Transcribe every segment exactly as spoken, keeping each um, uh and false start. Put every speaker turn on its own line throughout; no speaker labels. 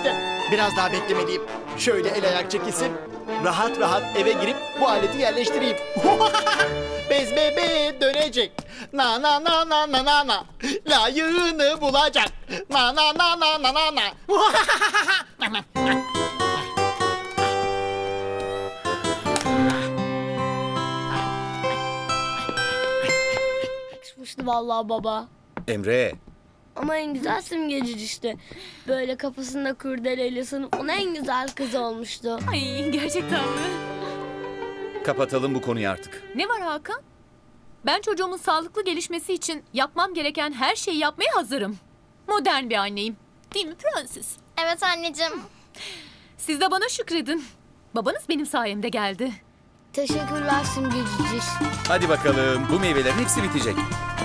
işte. Biraz daha beklemeliyim. Şöyle el ayak çekilsin. Rahat rahat eve girip bu aleti yerleştireyim. Bez bebeğe dönecek. Na na na na na na na. Layığını bulacak. Na na na na na na na.
Yakışmıştı vallahi baba.
Emre,
Ama en güzel simgeci işte. Böyle kafasında kurdeleyle sınıfın en güzel kızı olmuştu.
Ay gerçekten mi?
kapatalım bu konuyu artık.
Ne var Hakan? Ben çocuğumun sağlıklı gelişmesi için yapmam gereken her şeyi yapmaya hazırım. Modern bir anneyim. Değil mi prenses?
Evet anneciğim.
Siz de bana şükredin. Babanız benim sayemde geldi.
Teşekkürler simgecici.
Hadi bakalım, bu meyvelerin hepsi bitecek.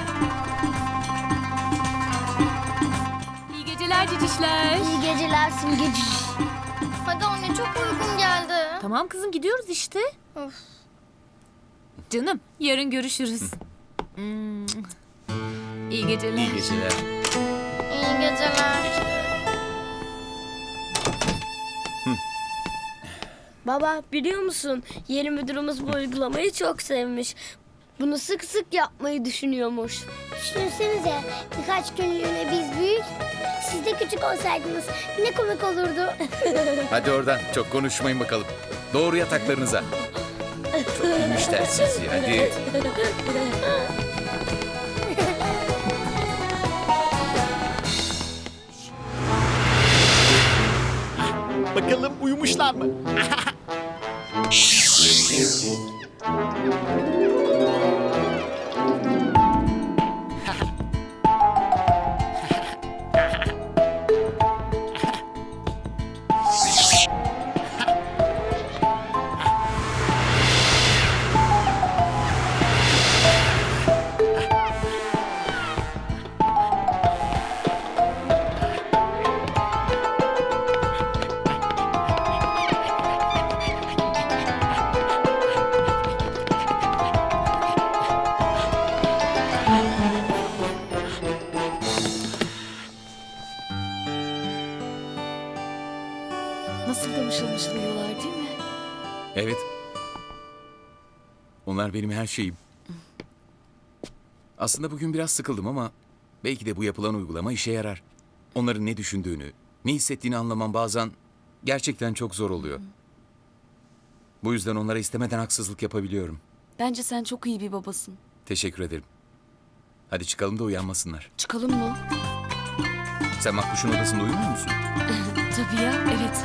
İyi geceler cicişler.
İyi geceler simgecici.
Hadi anne çok uygun geldi.
Tamam kızım gidiyoruz işte.
Of.
Canım yarın görüşürüz. Hmm. İyi geceler.
İyi geceler.
İyi geceler.
Baba biliyor musun? Yeni müdürümüz bu uygulamayı çok sevmiş. Bunu sık sık yapmayı düşünüyormuş.
Düşünsenize birkaç günlüğüne biz büyük, siz de küçük olsaydınız ne komik olurdu.
Hadi oradan, çok konuşmayın bakalım. Doğru yataklarınıza. Çok iyiymişler sizi, hadi.
Bakalım uyumuşlar mı?
Nasıl da mışıl mışıl uyuyorlar değil mi?
Evet. Onlar benim her şeyim. Aslında bugün biraz sıkıldım ama belki de bu yapılan uygulama işe yarar. Onların ne düşündüğünü, ne hissettiğini anlamam bazen gerçekten çok zor oluyor. Bu yüzden onlara istemeden haksızlık yapabiliyorum.
Bence sen çok iyi bir babasın.
Teşekkür ederim. Hadi çıkalım da uyanmasınlar.
Çıkalım mı?
Sen Makbuş'un odasında uyumuyor musun?
Tabii ya, evet.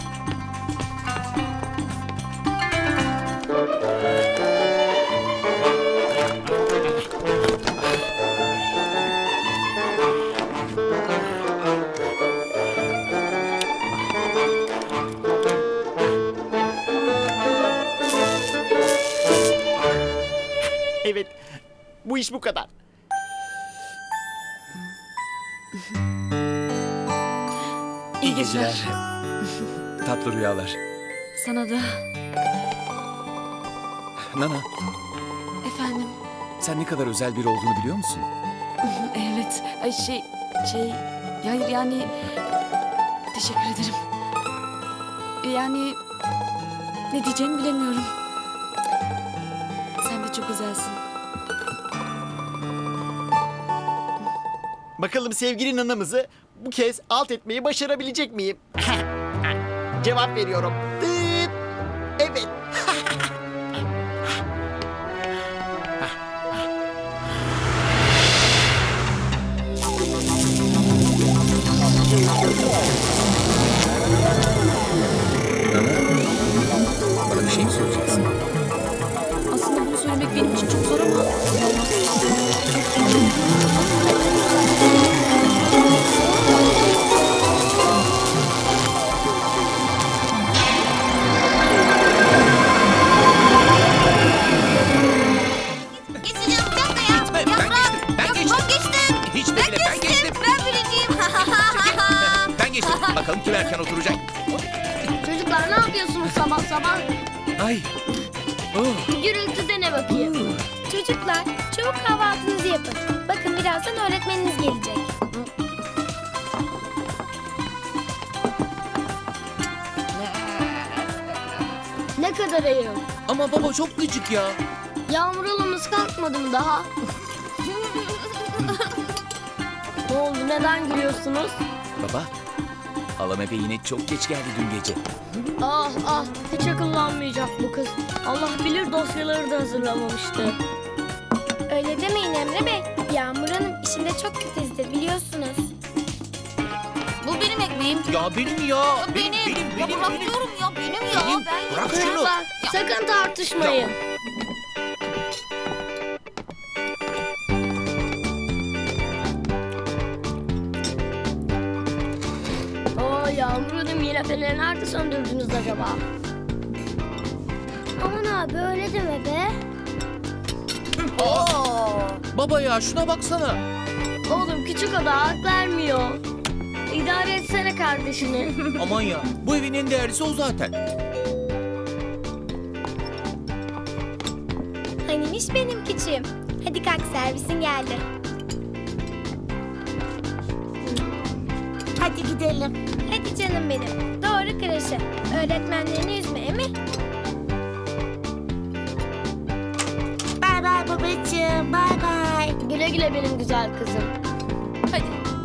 Evet. Bu iş bu kadar.
İyi geceler.
Tatlı rüyalar.
Sana da.
Nana,
Efendim.
sen ne kadar özel biri olduğunu biliyor musun?
Evet. Ay şey, şey... Hayır yani... Teşekkür ederim. Yani... Ne diyeceğimi bilemiyorum. Sen de çok özelsin.
Bakalım sevgili nanamızı bu kez alt etmeyi başarabilecek miyim? Cevap veriyorum. Dıt. Evet.
Nana, bana bir şey mi soracaksın?
Aslında bunu söylemek benim için çok zor ama...
Geçeceğim bir dakika ya.
Gitme, ben geçtim, ben geçtim.
Ben geçtim.
Hiç de bile, ben geçtim.
Ben birinciyim.
Ben geçtim. Bakalım kim erken oturacak.
Çocuklar ne yapıyorsunuz sabah sabah?
Ay. Oh.
Gürültüde ne bakayım?
Çocuklar çabuk kahvaltınızı yapın. Bakın birazdan öğretmeniniz gelecek.
kadar ayım.
Ama baba çok gıcık ya.
Yağmur halamız kalkmadı mı daha? Ne oldu, neden gülüyorsunuz?
Baba, halam eve yine çok geç geldi dün gece.
Ah ah, hiç akıllanmayacak bu kız. Allah bilir dosyaları da hazırlamamıştı.
Öyle demeyin Emre Bey. Yağmur Hanım işinde çok titizdir biliyorsunuz.
Bu benim ekmeğim.
Ya benim ya.
Benim. Ya bırak diyorum ya benim ya.
Benim.
Ben
Bırak şunu.
Çocuklar sakın tartışmayın. Oo, Yağmur Hanım, yine feneri nerede söndürdünüz acaba?
Aman abi öyle deme be.
Baba ya şuna baksana.
Oğlum, küçük oda hak vermiyor. İdare etsene kardeşini.
Aman ya bu evin en değerlisi o zaten.
Hanimiş benim küçüğüm. Hadi kalk, servisin geldi. Hadi gidelim. Hadi canım benim. Doğru kreşe. Öğretmenlerini üzme emi. Bay bay babacığım. Bay bay.
Güle güle benim güzel kızım.
Hadi.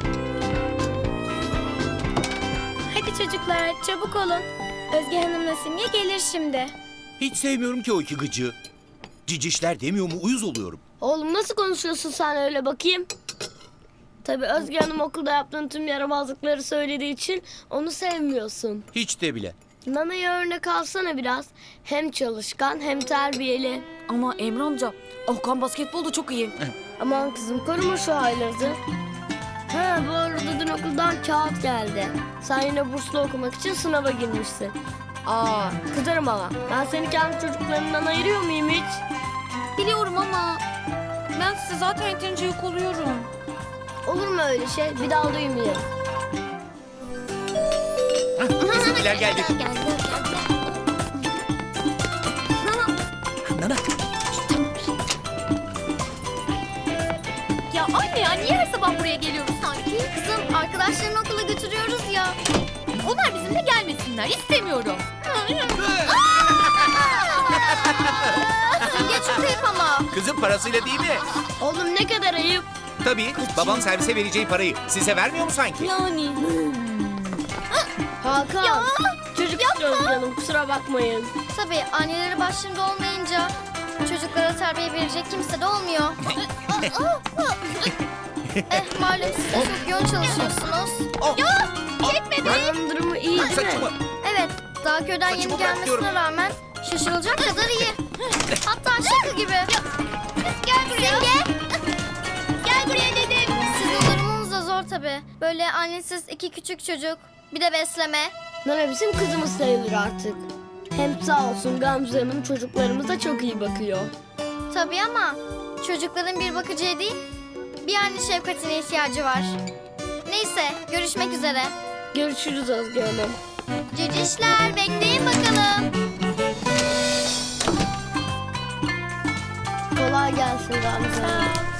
Hadi çocuklar çabuk olun. Özge Hanım'la Simge gelir şimdi.
Hiç sevmiyorum ki o iki gıcığı. Cicişler demiyor mu uyuz oluyorum.
Oğlum, nasıl konuşuyorsun sen öyle bakayım? Tabii Özge Hanım okulda yaptığın tüm yaramazlıkları söylediği için onu sevmiyorsun.
Hiç de bile.
Nana'ya örnek alsana biraz. Hem çalışkan hem terbiyeli.
Ama Emre amca, Okan basketbolda çok iyi.
Aman kızım, koruma şu haylazı. Ha, bu arada dün okuldan kağıt geldi. Sen yine burslu okumak için sınava girmişsin. Aa, kızarım ama. Ben seni kendi çocuklarından ayırıyor muyum hiç?
Biliyorum ama ben size zaten yeterince yük oluyorum.
Olur mu öyle şey? Bir daha duymayayım.
Bizimkiler geldi. Nana.
Ya anne ya niye her sabah buraya geliyoruz sanki?
Kızım arkadaşlarını okula götürüyoruz ya.
Onlar bizimle gelmesinler. İstemiyorum.
Geç şuraya ama.
Kızın parasıyla değil mi?
Oğlum, ne kadar ayıp.
Tabii. Babam servise vereceği parayı size vermiyor mu sanki?
Yani.
Hakan. Çocuk istiyoruz canım, kusura bakmayın.
Tabii anneleri başlarında olmayınca çocuklara terbiye verecek kimse de olmuyor. eh malum siz de çok yoğun çalışıyorsunuz.
Ya!
Babanın durumu iyi değil mi?
Saçımı.
Evet daha köyden
Saçımı
yeni
bırak
gelmesine
diyorum.
rağmen şaşırılacak kadar iyi. Hatta şaka gibi. Gel buraya. Gel buraya dedim. Sizin durumunuz da zor tabii. Böyle annesiz iki küçük çocuk. Bir de besleme.
Nana bizim kızımız sayılır artık. Hem sağ olsun Gamze Hanım çocuklarımıza çok iyi bakıyor.
Tabii ama çocukların bir bakıcıya değil, bir anne şefkatine ihtiyacı var. Neyse, görüşmek üzere.
Görüşürüz Özge Hanım.
Cicişler, bekleyin bakalım.
Kolay gelsin Gamze Hanım.